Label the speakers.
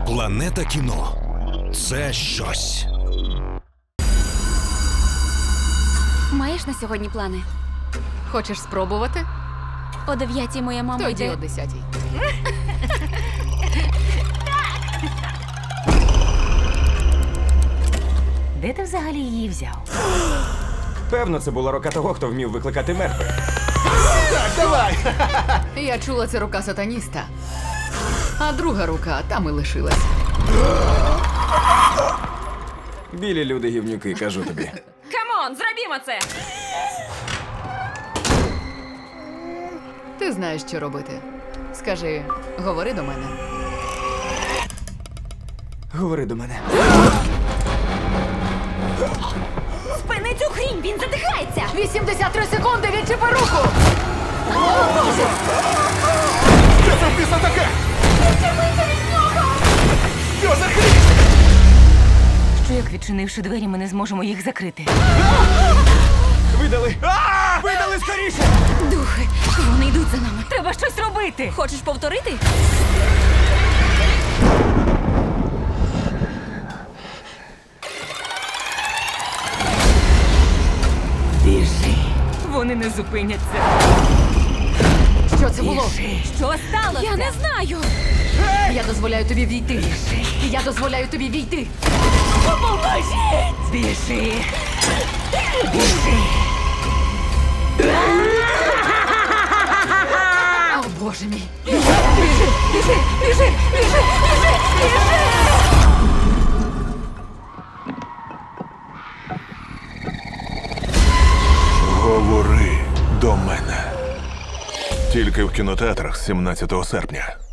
Speaker 1: Планета кіно – це щось.
Speaker 2: Маєш на сьогодні плани?
Speaker 3: Хочеш спробувати?
Speaker 2: О 9-й моя мама
Speaker 3: Тоді
Speaker 2: йде.
Speaker 3: о 10-й.
Speaker 4: Де ти взагалі її взяв?
Speaker 5: Певно, це була рука того, хто вмів викликати мертвих.
Speaker 3: Я чула, це рука сатаніста. А друга рука там і лишилась.
Speaker 5: Білі люди гівнюки, кажу тобі.
Speaker 2: Камон, зробімо це!
Speaker 3: Ти знаєш, що робити. Скажи, говори до мене.
Speaker 5: Говори до мене.
Speaker 2: Спини цю хрінь, він задихається!
Speaker 3: 83 секунди, відчепи руку!
Speaker 1: Що це в біса таке? Що за хрінь?
Speaker 4: Що як відчинивши двері, ми не зможемо їх закрити?
Speaker 5: Видали! Видали скоріше!
Speaker 2: Духи, вони йдуть за нами.
Speaker 4: Треба щось робити!
Speaker 2: Хочеш повторити?
Speaker 4: Біжи! Вони не зупиняться.
Speaker 3: Що це було?
Speaker 4: Біжи! Що сталося?
Speaker 2: Я не знаю!
Speaker 3: Я дозволяю тобі війти. Я дозволяю тобі війти.
Speaker 4: Поможіть! Біжи! Біжи!
Speaker 3: О, Боже мій.
Speaker 1: Говори до мене. Тільки в кінотеатрах 17 серпня.